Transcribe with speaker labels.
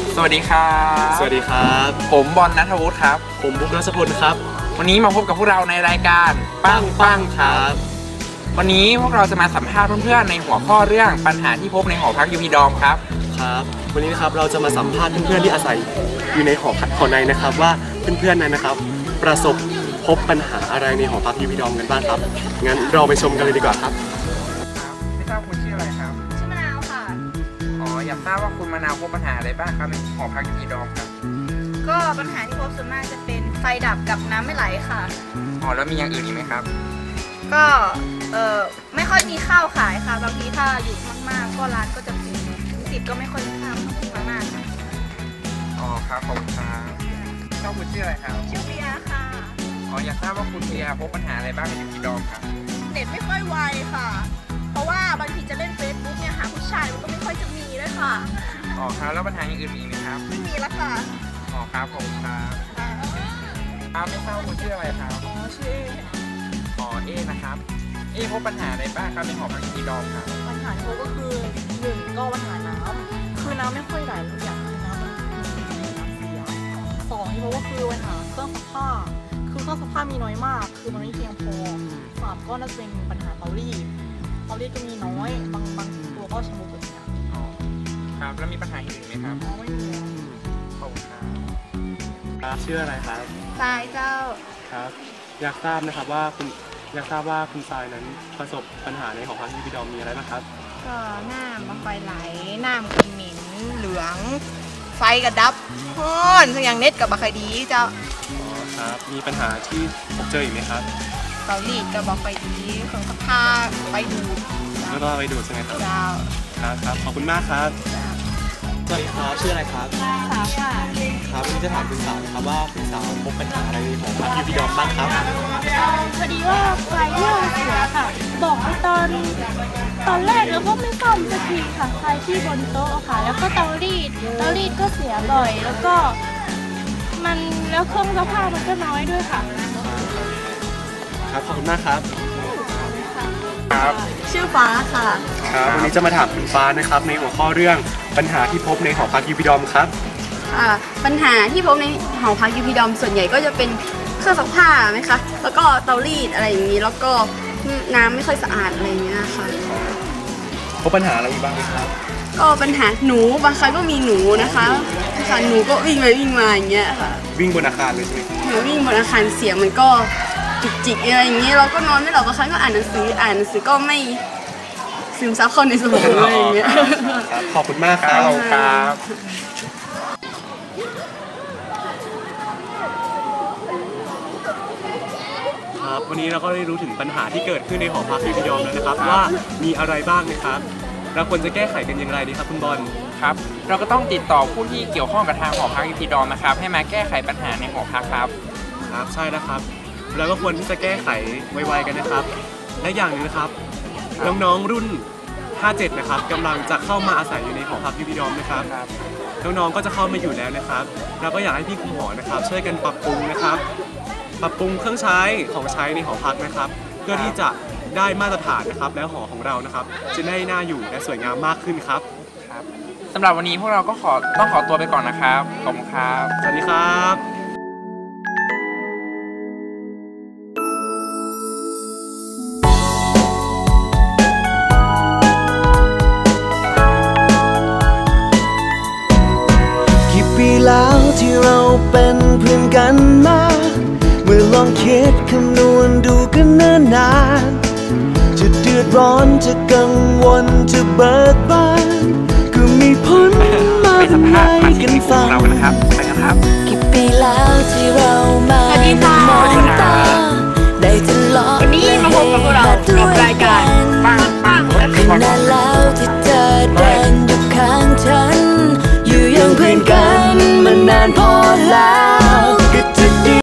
Speaker 1: สวัสดีครับ
Speaker 2: สวัสดีครับ
Speaker 1: ผมบอลณัฐวุฒิครับ
Speaker 2: ผมบุ๊กรัชพลครับ
Speaker 1: วันนี้มาพบกับพวกเราในรายการ
Speaker 2: ปังครับ
Speaker 1: วันนี้พวกเราจะมาสัมภาษณ์เพื่อนๆในหัวข้อเรื่องปัญหาที่พบในหอพักยูพีดอมครับ
Speaker 2: วันนี้นะครับเราจะมาสัมภาษณ์เพื่อนๆที่อาศัยอยู่ในหอพักในนะครับว่าเพื่อนๆนั้นนะครับประสบพบปัญหาอะไรในหอพักยูพีดอมกันบ้างครับงั้นเราไปชมกันเลยดีกว่าครับ
Speaker 1: ไม่ทราบคุณชื่ออะไรครับ
Speaker 3: ชื่อมะนาวค่ะ
Speaker 1: อยากทราบว่าคุณมะนาวพบปัญหาอะไรบ้างครับในหอพักยูพีดอมครับ
Speaker 3: ก็ปัญหาที่พบส่วนมากจะเป็นไฟดับกับน้ำไม่ไหลค่ะ
Speaker 1: แล้วมีอย่างอื่นอีกไหมครับ
Speaker 3: ก็ไม่ค่อยมีข้าวขายค่ะบางทีถ้าอยู่มากๆก็ร้านก็จะปิดติดก็ไม่ค่อยมีข้าวมากค่ะ
Speaker 1: ครับขอบคุณครับเจ้าคุณชื่ออะไรครับ
Speaker 3: ชื่อเบียค่ะ
Speaker 1: อยากทราบว่าคุณเบียพบปัญหาอะไรบ้างในยูพีดอมครับ
Speaker 3: เน็ตไม่ค่อยไวค่ะเพราะว่าบางทีจะเล่นเฟซบุ๊กเนี่ยหาผู้ชายมันก็ไม่ค่อยจะมีด้วยค่ะ
Speaker 1: ครับแล้วปัญหาอย่างอื่นมีไหมครับ
Speaker 3: ไม่มีแล้วค่ะ
Speaker 1: ครับขอบคุณครับไม่ทราบว่าคุณชื่ออะไรครับ
Speaker 3: ชื่อ
Speaker 1: เอนะครับพบปัญหาอะไรบ้างครับในหอพักยูพีดอมครับ
Speaker 3: ปัญหาที่พบก็คือ1ก็ปัญหาน้ำคือน้ำไม่ค่อยไหลเลยอย่างคือน้ำมันเสีย2ที่พบก็คือปัญหาเครื่องซักผ้าคือเครื่องซักผ้ามีน้อยมากคือมันไม่เพียงพอ3ก็น่าจะเป็นปัญหาเตารีดก็มีน้อยบางตัวก็ชำรุดอย่างเงี้ย
Speaker 1: ครับแล้วมีปัญหาอื่นไหมครับ
Speaker 3: ไม่มี
Speaker 1: ขอบคุณครับ
Speaker 2: ชื่ออะไรครับ
Speaker 3: ทรายเจ้า
Speaker 2: ครับอยากทราบนะครับว่าคุณทรายนั้นประสบปัญหาในหอพักยูพีดอมมีอะไรบ้างครับ
Speaker 3: ก็น้ำมันไฟไหลน้ำก็เหม็นเหลืองไฟก็ดับฮ้อนอย่างเน็ตกับบะไคดีเจ้า
Speaker 2: ครับมีปัญหาที่พบเจออีกไหมครับ
Speaker 3: เตารีดกับบะไคดีเครื่องซักผ้าไฟดูด
Speaker 2: แล้วก็ไฟดูดใช่ไหมครับ
Speaker 3: เจ้า
Speaker 2: ครับขอบคุณมากครับสวัสดีครับชื่ออะไรครับ
Speaker 3: สาวค่ะ
Speaker 2: ครับวันนี้จะถามคุณสาวนะครับว่าคุณสาวพบปัญหาอะไรในหอพักยูพีดอมบ้างครับ
Speaker 4: พอดีว่าไฟเริ่มเสียค่ะบอกไปตอนแรกแล้วก็ไม่ซ่อมสักทีค่ะไฟที่บนโต๊ะค่ะแล้วก็เตารีดก็เสียบ่อยแล้วก็แล้วเครื่องซักผ้ามันก็น้อยด้วยค่ะ
Speaker 2: ครับขอบคุณมากครับ
Speaker 1: ครับ
Speaker 3: ชื่อฟ้าค่ะ
Speaker 2: ครับวันนี้จะมาถามคุณฟ้านะครับในหัวข้อเรื่องปัญหาที่พบในหอพักยูพีดอมครับ
Speaker 5: ปัญหาที่พบในหอพักยูพีดอมส่วนใหญ่ก็จะเป็นเครื่องซักผ้าไหมคะแล้วก็เตารีดอะไรอย่างนี้แล้วก็น้ำไม่ค่อยสะอาดอะไรอย่างเงี้ยค่ะ
Speaker 2: พบปัญหาอะไรบ้างไหมครับ
Speaker 5: ก็ปัญหาหนูบางครั้งก็มีหนูนะคะหนูก็วิ่งไปวิ่งมาอย่างเงี้ยค่ะ
Speaker 2: วิ่งบนอาคารเลยใช่ไหม
Speaker 5: หนูวิ่งบนอาคารเสียงมันก็จิกอะไรอย่างเงี้ยเราก็นอนไม่หลับบางครั้งก็อ่านหนังสือก็ไม่ซึมซับเข้าในสมองอะไรอย่างเงี้ย
Speaker 2: ขอบคุณมากครับครับวันนี้เราก็ได้รู้ถึงปัญหาที่เกิดขึ้นในหอพักยูพีดอมแล้วนะครับว่ามีอะไรบ้างนะครับเราควรจะแก้ไขกันอย่างไรดีครับคุณบอล
Speaker 1: ครับเราก็ต้องติดต่อผู้ที่เกี่ยวข้องกับทางหอพักยูพีดอมนะครับให้มาแก้ไขปัญหาในหอพักครับ
Speaker 2: ใช่นะครับแล้วก็ควรที่จะแก้ไขไวๆกันนะครับและอย่างนึงนะครับน้องๆรุ่น57นะครับกำลังจะเข้ามาอาศัยอยู่ในหอพักยูพีดอมนะครับน้องๆก็จะเข้ามาอยู่แล้วนะครับเราก็อยากให้พี่คุมหอนะครับช่วยกันปรับปรุงนะครับปรับปรุงเครื่องใช้ของใช้ในหอพักนะครับเพื่อที่จะได้มาตรฐานนะครับแล้วหอของเรานะครับจะได้น่าอยู่และสวยงามมากขึ้นครับ
Speaker 1: สำหรับวันนี้พวกเราก็ต้องขอตัวไปก่อนนะครับขอบคุณครับ
Speaker 2: สวัสดีครับ
Speaker 6: ปีแล้วที่เราเป็นเพื่อนกันมาเมื่อลองคิดคำนวณดูกันเนิ่นนานจะเดือดร้อนจะกังวลจะเบิกบานก็มีพ้นมาเป็นไงกันฟัง
Speaker 4: กี่ปีแล้วที่เรามา
Speaker 3: มอง
Speaker 4: ตาได้ทะเลาะ
Speaker 3: วันนี้มาพบกับพวกเราในรายการปัง